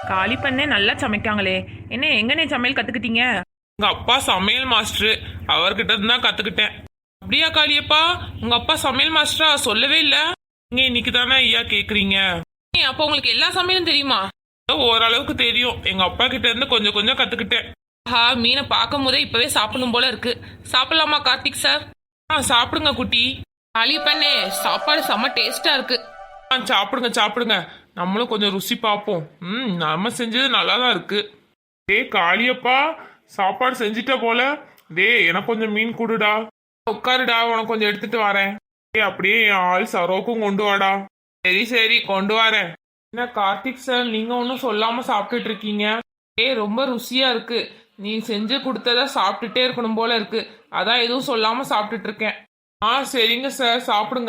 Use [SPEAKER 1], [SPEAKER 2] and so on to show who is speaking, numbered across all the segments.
[SPEAKER 1] காலி பண்ணே நல்லா சமைக்காங்களே. என்ன எங்கனே சமையல் கத்துக்கிட்டீங்க?
[SPEAKER 2] உங்க அப்பா சமையல் மாஸ்டர், அவர்கிட்ட இருந்து தான் கத்துக்கிட்டேன். அப்படியா காளியப்பா, உங்க அப்பா சமையல் மாஸ்டரா? சொல்லவே இல்ல. நீங்க இன்னைக்கு தானே ஐயா கேக்குறீங்க.
[SPEAKER 1] அப்போ உங்களுக்கு எல்லா சமையலும் தெரியுமா?
[SPEAKER 2] ஓரளவுக்கு தெரியும். எங்க அப்பா கிட்ட இருந்து கொஞ்சம் கொஞ்சம் கத்துக்கிட்டேன்.
[SPEAKER 1] மீனை பார்க்கும் போதே இப்பவே சாப்பிடணும் போல இருக்கு. சாப்பிடலாமா கார்த்திக் சார்?
[SPEAKER 2] சாப்பிடுங்க குட்டி.
[SPEAKER 1] காலி பண்ணே சாப்பாடு செம்ம டேஸ்டா இருக்கு.
[SPEAKER 2] சாப்பிடுங்க சாப்பிடுங்க. நம்மளும் கொஞ்சம் ருசி பார்ப்போம். நம்ம செஞ்சது நல்லா தான் இருக்கு. காளியப்பா, சாப்பாடு செஞ்சிட்ட போல. எனக்கு கொஞ்சம் மீன் கொடுடா. உட்காருடா, உனக்கு கொஞ்சம் எடுத்துட்டு வரேன். அப்படியே என் ஆள் சரோக்கும் கொண்டு வாடா. சரி சரி கொண்டு வரேன். என்ன கார்த்திக் சார், நீங்க ஒன்றும் சொல்லாம சாப்பிட்டுட்டு இருக்கீங்க? ரொம்ப ருசியா இருக்கு. நீ செஞ்சு கொடுத்தத சாப்பிட்டுட்டே இருக்கணும் போல இருக்கு. அதான் எதுவும் சொல்லாம சாப்பிட்டுட்டு இருக்கேன். சரிங்க சார், சாப்பிடுங்க.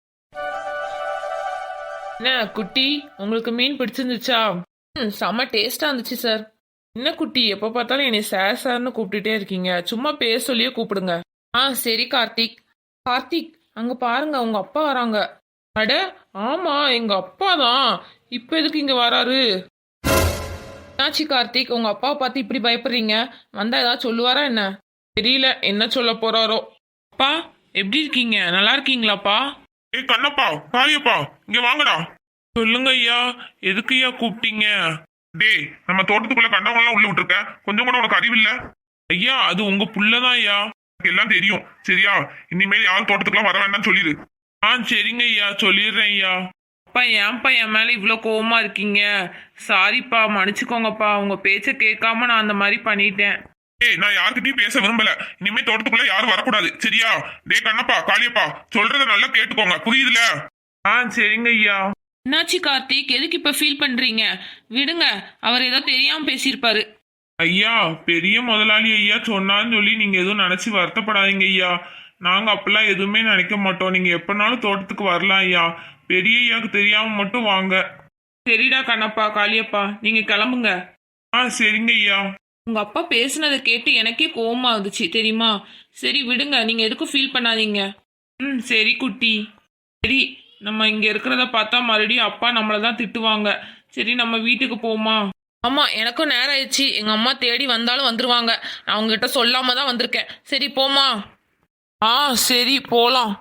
[SPEAKER 1] என்ன குட்டி, உங்களுக்கு மீன் பிடிச்சிருந்துச்சா? செம்ம டேஸ்டா இருந்துச்சு சார். என்ன குட்டி, எப்ப பார்த்தாலும் என்னை சார் சார்னு கூப்பிட்டுட்டே இருக்கீங்க. சும்மா பேர் சொல்லியே கூப்பிடுங்க. சரி கார்த்திக். கார்த்திக், அங்க பாருங்க, உங்க அப்பா வராங்க. அட ஆமா, எங்க அப்பா தான். இப்ப எதுக்கு இங்க வராரு? என்னாச்சு கார்த்திக், உங்க அப்பாவை பார்த்து இப்படி பயப்படுறீங்க? வந்தா ஏதாவது சொல்லுவாரா என்ன?
[SPEAKER 2] தெரியல என்ன சொல்ல போறாரோ.
[SPEAKER 1] அப்பா எப்படி இருக்கீங்க? நல்லா இருக்கீங்களாப்பா?
[SPEAKER 2] கண்ணப்பா, காளியப்பா, இங்க வாங்கடா. சொல்லுங்க ஐயா, எதுக்கு ஐயா கூப்பிட்டீங்க? நம்ம தோட்டத்துக்குள்ள கண்டவங்கலாம் உள்ள விட்டுருக்க, கொஞ்சம் கூட உனக்கு அறிவில்ல? ஐயா, அது உங்க புள்ளதான் ஐயா, எல்லாம் தெரியும். சரியா, இனிமேல் யாரும் தோட்டத்துக்குலாம் வர வேண்டாம்னு சொல்லிடு. சரிங்க ஐயா, சொல்லிடுறேன் ஐயா.
[SPEAKER 1] அப்பா ஏன்ப்பா என் மேல இவ்வளோ கோவமா இருக்கீங்க? சாரிப்பா, மன்னிச்சுக்கோங்கப்பா. உங்க பேச்ச கேட்காம நான் அந்த மாதிரி பண்ணிட்டேன்.
[SPEAKER 2] நான் யாருக்கிட்டையும் பேச விரும்பல. இனிமே தோட்டத்துக்குள்ள யாரும் வரக்கூடாது. சரியா? கண்ணப்பா, காளியப்பா, சொல்றத நல்லா கேட்டுக்கோங்க, புரியுதுல? சரிங்க ஐயா.
[SPEAKER 1] என்னாச்சு கார்த்திக், எதுக்கு இப்ப ஃபீல் பண்றீங்க? விடுங்க, அவர் ஏதோ தெரியாம பேசியிருப்பாரு.
[SPEAKER 2] ஐயா, பெரிய முதலாளி ஐயா சொன்னான்னு சொல்லி நீங்க எதுவும் நினைச்சு வருத்தப்படாதீங்க ஐயா. நாங்க அப்பெல்லாம் எதுவுமே நினைக்க மாட்டோம். நீங்க எப்பனாலும் தோட்டத்துக்கு வரலாம் ஐயா. பெரிய ஐயாவுக்கு தெரியாம மட்டும் வாங்க.
[SPEAKER 1] சரிடா கண்ணப்பா, காளியப்பா, நீங்க கிளம்புங்க.
[SPEAKER 2] சரிங்க ஐயா.
[SPEAKER 1] உங்க அப்பா பேசுனதை கேட்டு எனக்கே கோவமா இருந்துச்சு தெரியுமா? சரி விடுங்க, நீங்க எதுக்கும் ஃபீல் பண்ணாதீங்க. சரி குட்டி. சரி, நம்ம இங்க இருக்கிறத பார்த்தா மறுபடியும் அப்பா நம்மளதான் திட்டுவாங்க. சரி, நம்ம வீட்டுக்கு போமா? ஆமா, எனக்கும் நேரம் ஆயிடுச்சு. எங்க அம்மா தேடி வந்தாலும் வந்துருவாங்க. நான் அவங்ககிட்ட சொல்லாம தான் வந்திருக்கேன். சரி போமா? சரி போலாம்.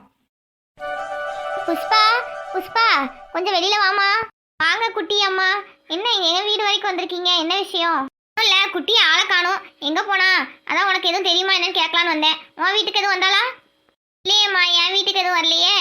[SPEAKER 3] புஷ்பா, புஷ்பா, கொஞ்சம் வெளியில வாமா. வாங்க குட்டி அம்மா. என்ன எங்க வீடு வரைக்கும் வந்திருக்கீங்க? என்ன விஷயம்? இல்ல, குட்டி ஆளை காணோம், எங்க போனா? அதான் உனக்கு எதுவும் தெரியுமா என்னன்னு கேட்கலான்னு வந்தேன். உன் வீட்டுக்கு எதுவும் வந்தாளா? இல்லையேம்மா, என் வீட்டுக்கு எதுவும் வரலையே.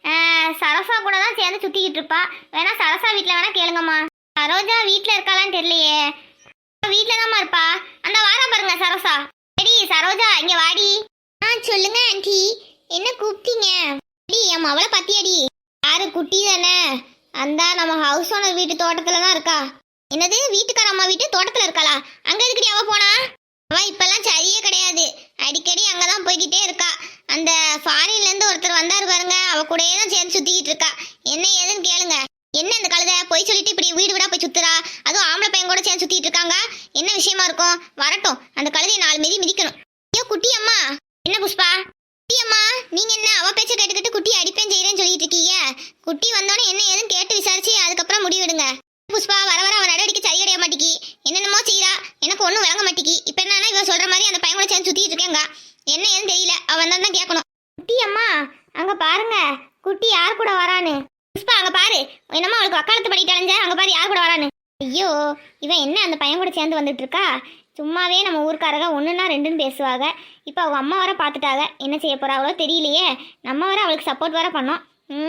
[SPEAKER 3] சரசா கூட தான் சேர்ந்து சுத்திக்கிட்டு இருப்பா. வேணா சரசா வீட்டுல வேணா கேளுங்கம்மா. சரோஜா வீட்டுல இருக்காளான்னு தெரியலையே. வீட்டுல தான்மா இருப்பா. அந்த வாரா பாருங்க சரசா. சரி சரோஜா, இங்க வாடி. சொல்லுங்க ஆண்டி, என்ன கூப்பிட்டீங்க? என் மவளை பத்தியடி. யாரு? குட்டி தானே. அந்த நம்ம ஹவுஸ் ஓனர் வீட்டு தோட்டத்துல தான் இருக்கா. என்னது, வீட்டுக்கார அம்மா வீட்டு தோட்டத்துல இருக்காளா? அங்க எதுக்கடி அவ போனா? அவ இப்பெல்லாம் சரியே கிடையாது. அடிக்கடி அங்கதான் போய்கிட்டே இருக்கா. அந்த ஃபாரின்ல இருந்து ஒருத்தர் வந்தாரு பாருங்க, அவ கூடயே தான் சேர்ந்து சுத்திக்கிட்டு இருக்கா. என்ன ஏதுன்னு கேளுங்க. என்ன இந்த கழுதை போய் சொல்லிட்டு இப்படி வீடு வீடா போய் சுத்துறா? அதுவும் ஆம்பளை பையன் கூட சேர்ந்து சுத்திட்டு இருக்காங்க. என்ன விஷயமா இருக்கும்? வரட்டும், அந்த கழுதையை 4 மிதி மிதிக்கணும். ஐயோ குட்டி அம்மா. என்ன புஷ்பா? குட்டி அம்மா, நீங்க என்ன அவ பேச்ச கேட்டுக்கிட்டு குட்டி அடிப்பேன் செய்யறேன்னு சொல்லிட்டு இருக்கீங்க? குட்டி வந்தோடனே என்ன ஏதுன்னு கேட்டு விசாரிச்சு அதுக்கப்புறம் முடிவெடுங்க. புஷ்பா, வர வர அவன் நடவடிக்கை சரி கிடையாது மாட்டிக்கி. என்னென்னமோ செய்யறா, எனக்கு ஒன்றும் விளங்க மாட்டிக்கி. இப்ப என்னன்னா இவ சொல்ற மாதிரி அந்த பையன் கூட சேர்ந்து சுத்திட்டு இருக்கேங்க. என்ன ஏதுன்னு தெரியல, அவன் தான் கேட்கணும். குட்டி அம்மா, அங்க பாருங்க, குட்டி யார் கூட வரான்னு. புஷ்பா, அங்க பாரு, என்னம்மா அவளுக்கு வக்காலத்து பண்ணிட்டாலஞ்ச. அங்க பாரு யார் கூட வரான்னு. ஐயோ, இவன் என்ன அந்த பையன் கூட சேர்ந்து வந்துட்டு இருக்கா? சும்மாவே நம்ம ஊருக்காரங்க 1ன்னா 2ன்னு பேசுவாங்க. இப்போ அவங்க அம்மா வர பார்த்துட்டாங்க. என்ன செய்ய போறாங்களோ தெரியலையே. நம்ம வர அவளுக்கு சப்போர்ட் வர பண்ணோம்.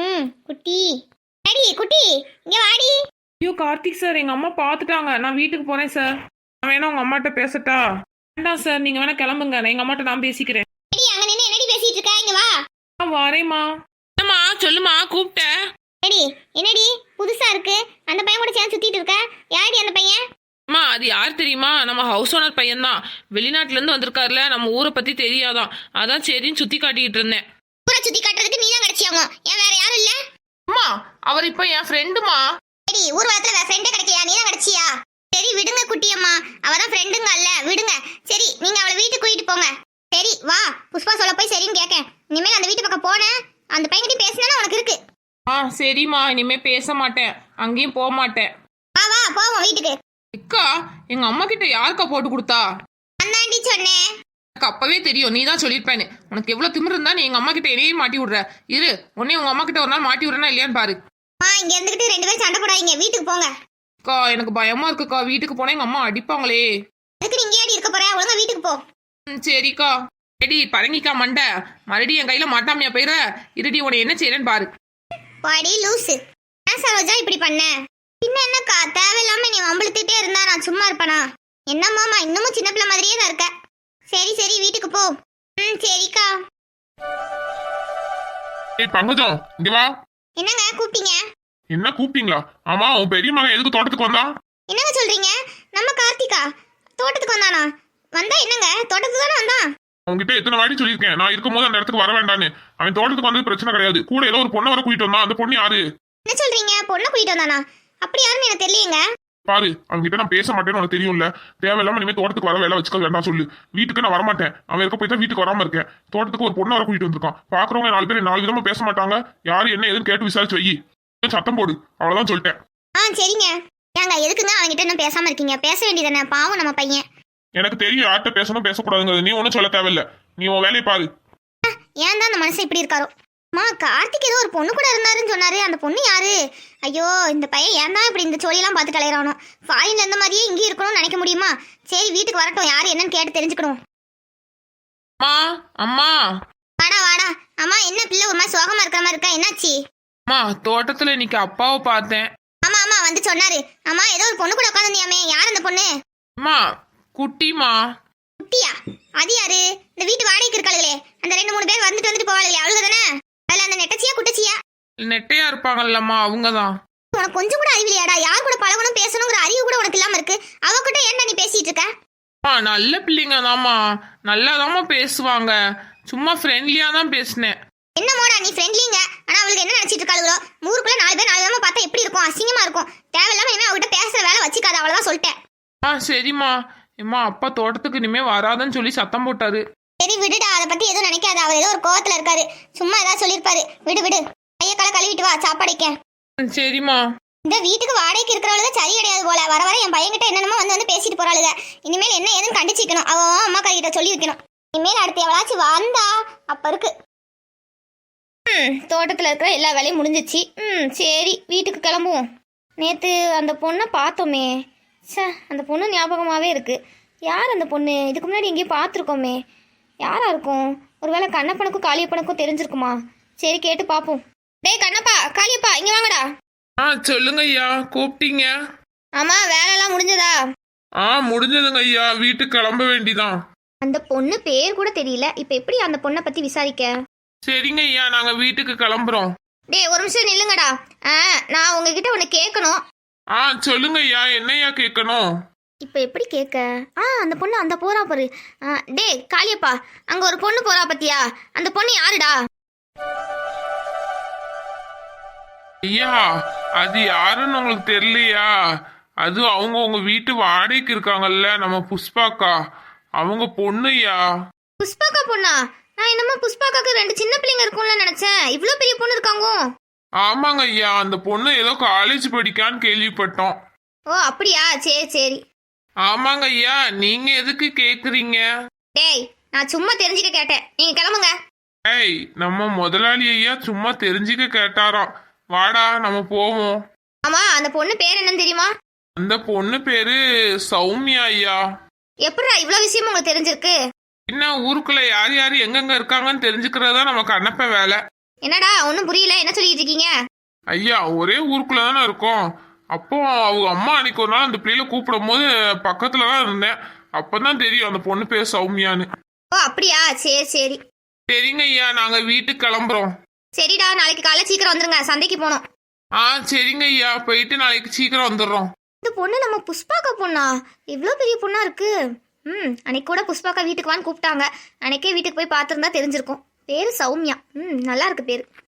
[SPEAKER 3] குட்டி அடி, குட்டி இங்க வாடி.
[SPEAKER 1] ஐயோ கார்த்திக் சார், எங்க அம்மா பார்த்துட்டாங்க. நான் வீட்டுக்கு போறேன் சார். நான் வேணா உங்க அம்மாட்ட பேசட்டா? வேண்டாம் சார், நீங்க வேணா கிளம்புங்க. நான் எங்க அம்மாட்ட நான் பேசிக்கிறேன்.
[SPEAKER 3] அங்க நின்று என்னடி பேசிட்டு இருக்கா? இங்க வா.
[SPEAKER 1] வரேம்மா. என்னம்மா சொல்லுமா, கூப்பிட்ட?
[SPEAKER 3] என்னடி புதுசா இருக்கு? அந்த பையன் கூட சேர்ந்து சுத்திட்டு இருக்க. யாரடி அந்த பையன்?
[SPEAKER 1] அம்மா, அது யார் தெரியுமா? நம்ம ஹவுஸ் ஓனர் பையன் தான். வெளிநாட்டுல இருந்து வந்திருக்காருல, நம்ம ஊரை பத்தி தெரியாதான். அதான் சரின்னு சுத்தி காட்டிட்டு இருந்தேன்.
[SPEAKER 3] ஊரை சுத்தி காட்டுறதுக்கு நீ தான் கிடைச்சியாங்க, ஏன் வேற யாரும் இல்ல?
[SPEAKER 1] அம்மா, அவர் இப்ப என் ஃப்ரெண்டுமா.
[SPEAKER 3] சரி, ஊர் வாரத்துல வேற ஃப்ரெண்டே கிடைக்கலையா? நீ தான் கிடைச்சியா? சரி விடுங்க குட்டி அம்மா, அவதான் ஃப்ரெண்டுங்க அல்ல, விடுங்க. சரி, நீங்க அவளை வீட்டுக்கு கூட்டிட்டு போங்க. சரி வா, புஷ்பா சொல்ல போய் சரின்னு கேட்க. இனிமேல் அந்த வீட்டு பக்கம் போனேன், அந்த பையன்கிட்ட பேசினா உனக்கு இருக்கு.
[SPEAKER 1] சரிம்மா, இனிமே பேச மாட்டேன், அங்கேயும் போக மாட்டேன்.
[SPEAKER 3] வா வா போவோம் வீட்டுக்கு.
[SPEAKER 1] அக்கா எங்க அம்மா கிட்ட யாருக்கா போட்டு கொடுத்தா?
[SPEAKER 3] அந்தாண்டி சொன்னேன்.
[SPEAKER 1] எனக்கு அப்பவே தெரியும் நீ தான் சொல்லியிருப்பேன்னு. உனக்கு எவ்வளவு திமிரு இருந்தா நீ எங்க அம்மா கிட்ட என்னையும் மாட்டி விடுற. இரு உன்னையும் உங்க அம்மா கிட்ட ஒரு நாள் மாட்டி விடுறேன்னா இல்லையான்னு பாரு.
[SPEAKER 3] இங்க இருந்துகிட்டு 2 பேரும் சண்டை போடாதீங்க, வீட்டுக்கு போங்க.
[SPEAKER 1] அக்கா எனக்கு பயமா இருக்குக்கா, வீட்டுக்கு போனா எங்க அம்மா அடிப்பாங்களே.
[SPEAKER 3] அதுக்கு நீங்க ஏடி இருக்க போற, ஒழுங்கா வீட்டுக்கு போ.
[SPEAKER 1] சரிக்கா. எடி பரங்கிக்கா மண்டை, மறுபடியும் என் கையில மாட்டாமையா போயிட. இருடி உன்னை என்ன செய்யறேன்னு பாரு.
[SPEAKER 3] பாடி லூசு. ஏன் சரோஜா இப்படி பண்ண? பின்ன என்னக்கா, தேவையில்லாம நீ வம்பிழுத்துட்டே இருந்தா நான் சும்மா இருப்பனா? என்னம்மாமா இன்னமும் சின்ன பிள்ளை மாதிரியே தான் இருக்க. சரி சரி வீட்டுக்கு போ. சரிக்கா.
[SPEAKER 2] ஏய் பங்கஜம், இங்க வா.
[SPEAKER 3] என்னங்க கூப்பிட்டீங்க?
[SPEAKER 2] என்ன கூப்பிட்டீங்களா? ஆமா, உன் பெரிய மகன் எதுக்கு தோட்டத்துக்கு வந்தான்?
[SPEAKER 3] என்னங்க சொல்றீங்க? நம்ம கார்த்திகா தோட்டத்துக்கு வந்தானா? வந்தா என்னங்க, தோட்டத்துக்கு தானே வந்தான்.
[SPEAKER 2] உங்ககிட்ட எத்தனை வாட்டி சொல்லியிருக்கேன், நான் இருக்கும்போது அந்த இடத்துக்கு வர வேண்டான்னு. அவன் தோட்டத்துக்கு வந்தது பிரச்சனை கிடையாது. கூட ஏதோ ஒரு பொண்ணை வர கூட்டிட்டு வந்தான். அந்த பொண்ணு யாரு?
[SPEAKER 3] என்ன சொல்றீங்க? பொண்ணை கூட்டிட்டு வந்தானா? அப்படி யாருன்னு எனக்கு தெரியலங்க.
[SPEAKER 2] பாரு, அவன்கிட்ட நான் பேச மாட்டேன்னு உனக்கு தெரியும்ல. தேவையில்லாம இனிமே தோட்டத்துக்கு வர வேலை வச்சுக்க வேண்டாம் சொல்லு. வீட்டுக்கு நான் வரமாட்டேன். அவன் இருக்க போய் தான் வீட்டுக்கு வராம இருக்கேன். தோட்டத்துக்கு ஒரு பொண்ணை வர கூட்டிட்டு வந்திருக்கான். பாக்குறவங்க 4 பேர் 4 விதமா பேச மாட்டாங்க. யாரு என்ன ஏதுன்னு கேட்டு விசாரிச்சு வை. சத்தம் போடு, அவ்வளவுதான் சொல்லிட்டேன்.
[SPEAKER 3] சரிங்க. ஏங்க எதுக்குங்க அவன்கிட்ட இன்னும் பேசாம இருக்கீங்க? பேச வேண்டியதானே, பாவம் நம்ம பையன்.
[SPEAKER 2] எனக்கு தெரியும் யார்கிட்ட பேசணும் பேசக்கூடாதுங்கிறது. நீ ஒன்னும் சொல்ல தேவையில்ல. நீ உன் வேலையை பாரு.
[SPEAKER 3] ஏன் தான் அந்த மனுஷன் இப்படி இருக்காரோ? அம்மா கார்த்திக் ஏதோ ஒரு பொண்ணு கூட இருந்தாருன்னு சொன்னாரு. அந்த பொண்ணு யாரு? ஐயோ இந்த பையன் ஏன் தான் இப்படி இந்த சோழியெல்லாம் பார்த்துட்டு அலையறானோ? ஃபாரின்ல இருந்த மாதிரியே இங்கேயும் இருக்கணும்னு நினைக்க முடியுமா? சரி வீட்டுக்கு வரட்டும், யாரு என்னன்னு கேட்டு தெரிஞ்சுக்கணும்.
[SPEAKER 1] அம்மா அம்மா
[SPEAKER 3] வாடா வாடா. அம்மா என்ன பிள்ளை ஒரு மாதிரி சோகமா இருக்கிற மாதிரி இருக்கா? என்னாச்சு?
[SPEAKER 1] அம்மா தோட்டத்துல இன்னைக்கு அப்பாவை பார்த்தேன்.
[SPEAKER 3] ஆமா ஆமா வந்து சொன்னாரு. அம்மா ஏதோ ஒரு பொண்ணு கூட உட்காந்துருந்தியாமே, யார் அந்த பொண்ணு?
[SPEAKER 1] அம்மா குட்டிமா.
[SPEAKER 3] குட்டியா? அது யாரு? இந்த வீட்டு வாடகைக்கு இருக்காளுங்களே, அந்த 2-3 பேர் வந்துட்டு போவாளுங்களே, அவளுக தானே? அதுல அந்த நெட்டச்சியா குட்டச்சியா?
[SPEAKER 1] நெட்டையா இருப்பாங்கல்லம்மா அவங்கதான்.
[SPEAKER 3] உனக்கு கொஞ்சம் கூட அறிவில்லையாடா? யார் கூட பழகணும் பேசணுங்கிற அறிவு கூட உனக்கு இல்லாம இருக்கு. அவகிட்ட ஏன்டா நீ பேசிட்டு இருக்க?
[SPEAKER 1] அம்மா நல்ல பிள்ளைங்க தாம்மா, நல்லாதாம்மா பேசுவாங்க. சும்மா ஃப்ரெண்ட்லியா தான் பேசினேன்.
[SPEAKER 3] என்னமோடா நீ ஃப்ரெண்ட்லிங்க, ஆனா அவளுக்கு என்ன நினைச்சிட்டு இருக்காளுங்களோ? ஊருக்குள்ள 4 பேர் 4 விதமா பார்த்தா எப்படி இருக்கும்? அசிங்கமா இருக்கும். தேவையில்லாம இனிமே அவகிட்ட பேசுற வேலை வச்சுக்காத, அவ்வளவுதான் சொல்லிட்டேன்.
[SPEAKER 1] சரிம்மா. அம்மா அப்பா தோட்டத்துக்கு இனிமே வராதுன்னு சொல்லி சத்தம் போட்டாரு.
[SPEAKER 3] சரி விடுடா, அதை பத்தி எதுவும் நினைக்காத. அவர் ஏதோ ஒரு கோவத்துல இருக்காரு, சும்மா ஏதாவது சொல்லிருப்பாரு. விடு விடு. கைய கால கழுவிட்டு வா, சாப்பாடைக்க.
[SPEAKER 1] சரிம்மா.
[SPEAKER 3] இந்த வீட்டுக்கு வாடகைக்கு இருக்கிறவளுக்கு சரி கிடையாது போல. வர வர என் பையன்கிட்ட என்னென்னமோ வந்து பேசிட்டு போறாளுங்க. இனிமேல் என்ன ஏதுன்னு கண்டிச்சிக்கணும். அவ அம்மா கிட்ட சொல்லி வைக்கணும். இனிமேல் அடுத்து எவளாச்சும் வந்தா அப்ப இருக்கு. தோட்டத்துல இருக்கிற எல்லா வேலையும் முடிஞ்சிச்சு. சரி வீட்டுக்கு கிளம்புவோம். நேத்து அந்த பொண்ணை பார்த்தோமே, அந்த பொண்ணு ஞாபகமாவே இருக்கு. யார் அந்த பொண்ணு? இதுக்கு முன்னாடி எங்கேயும் பார்த்துருக்கோமே. யாரா இருக்கும்? ஒருவேளை கண்ணப்பனுக்கும் காளியப்பனுக்கும் தெரிஞ்சிருக்குமா? சரி கேட்டு பாப்போம். டேய் கண்ணப்பா, காளியப்பா இங்க வாங்கடா.
[SPEAKER 1] சொல்லுங்க ஐயா, கூப்பிட்டீங்க?
[SPEAKER 3] ஆமா, வேலைலாம் முடிஞ்சதா?
[SPEAKER 1] முடிஞ்சதுங்க ஐயா, வீட்டுக்கு கிளம்ப வேண்டிதான்.
[SPEAKER 3] அந்த பொண்ணு பேர் கூட தெரியல. இப்ப எப்படி அந்த பொண்ணை பத்தி விசாரிக்க?
[SPEAKER 1] சரிங்க ஐயா, நாங்க வீட்டுக்கு கிளம்புறோம்.
[SPEAKER 3] டேய் ஒரு நிமிஷம் நில்லுங்கடா. நான் உங்ககிட்ட ஒண்ணு கேட்கணும்.
[SPEAKER 1] சொல்லுங்க ஐயா, என்னையா கேட்கணும்?
[SPEAKER 3] இப்ப எப்படி கேட்க? அந்த பொண்ணு அந்த போறா பாரு. டேய் காளியப்பா, அங்க ஒரு பொண்ணு போறா பத்தியா? அந்த பொண்ணு யாருடா?
[SPEAKER 1] ஐயா அது யாருன்னு உங்களுக்கு தெரியலையா? அது அவங்க உங்க வீட்டு வாடகைக்கு இருக்காங்கல்ல, நம்ம புஷ்பாக்கா, அவங்க பொண்ணுயா.
[SPEAKER 3] புஷ்பாக்கா பொண்ணா? நான் என்னமோ புஷ்பாக்காக்கு 2 சின்ன பிள்ளைங்க இருக்கும்ல நினைச்சேன். இவ்ளோ பெரிய பொண்ணு இருக்காங்க.
[SPEAKER 1] ஆமாங்க ஐயா, அந்த பொண்ணு ஏதோ காலேஜ் படிக்கான்னு கேள்விப்பட்டோம்.
[SPEAKER 3] ஓ அப்படியா? சரி சரி.
[SPEAKER 1] ஆமாங்க ஐயா, நீங்க எதுக்கு கேக்குறீங்க?
[SPEAKER 3] டேய் நான் சும்மா தெரிஞ்சுக்க கேட்டேன், நீங்க கிளம்புங்க.
[SPEAKER 1] நம்ம முதலாளி ஐயா சும்மா தெரிஞ்சுக்க கேட்டாராம். வாடா நம்ம போவோம்.
[SPEAKER 3] ஆமா, அந்த பொண்ணு பேர் என்னன்னு தெரியுமா?
[SPEAKER 1] அந்த பொண்ணு பேரு சௌமியா ஐயா.
[SPEAKER 3] எப்படிடா இவ்வளவு விஷயம் உங்களுக்கு தெரிஞ்சிருக்கு?
[SPEAKER 1] என்ன ஊருக்குள்ள யார் யார் எங்கெங்க இருக்காங்கன்னு தெரிஞ்சுக்கிறதா நமக்கு அனுப்ப வேலை.
[SPEAKER 3] என்னடா ஒன்னும் புரியல, என்ன சொல்லிட்டு இருக்கீங்க?
[SPEAKER 1] ஐயா ஒரே ஊருக்குள்ள தானே இருக்கோம். அப்போ அவங்க அம்மா அன்னைக்கு ஒரு நாள் அந்த பிள்ளைல கூப்பிடும் போது பக்கத்துலதான் இருந்தேன். அப்பதான் தெரியும் அந்த பொண்ணு பேர் சௌமியான்னு.
[SPEAKER 3] ஓ அப்படியா? சரி சரி.
[SPEAKER 1] சரிங்க ஐயா, நாங்க வீட்டுக்கு கிளம்புறோம்.
[SPEAKER 3] சரிடா, நாளைக்கு காலைல சீக்கிரம் வந்துருங்க, சந்தைக்கு போனோம்.
[SPEAKER 1] சரிங்க ஐயா, போயிட்டு நாளைக்கு சீக்கிரம் வந்துடுறோம்.
[SPEAKER 3] இந்த பொண்ணு நம்ம புஷ்பாக்கா பொண்ணா? இவ்ளோ பெரிய பொண்ணா இருக்கு. அன்னைக்கு கூட புஷ்பாக்கா வீட்டுக்கு வான்னு கூப்பிட்டாங்க. அன்னைக்கே வீட்டுக்கு போய் பார்த்துருந்தா தெரிஞ்சிருக்கும். பேரு சௌமியா. நல்லா இருக்கு பேரு.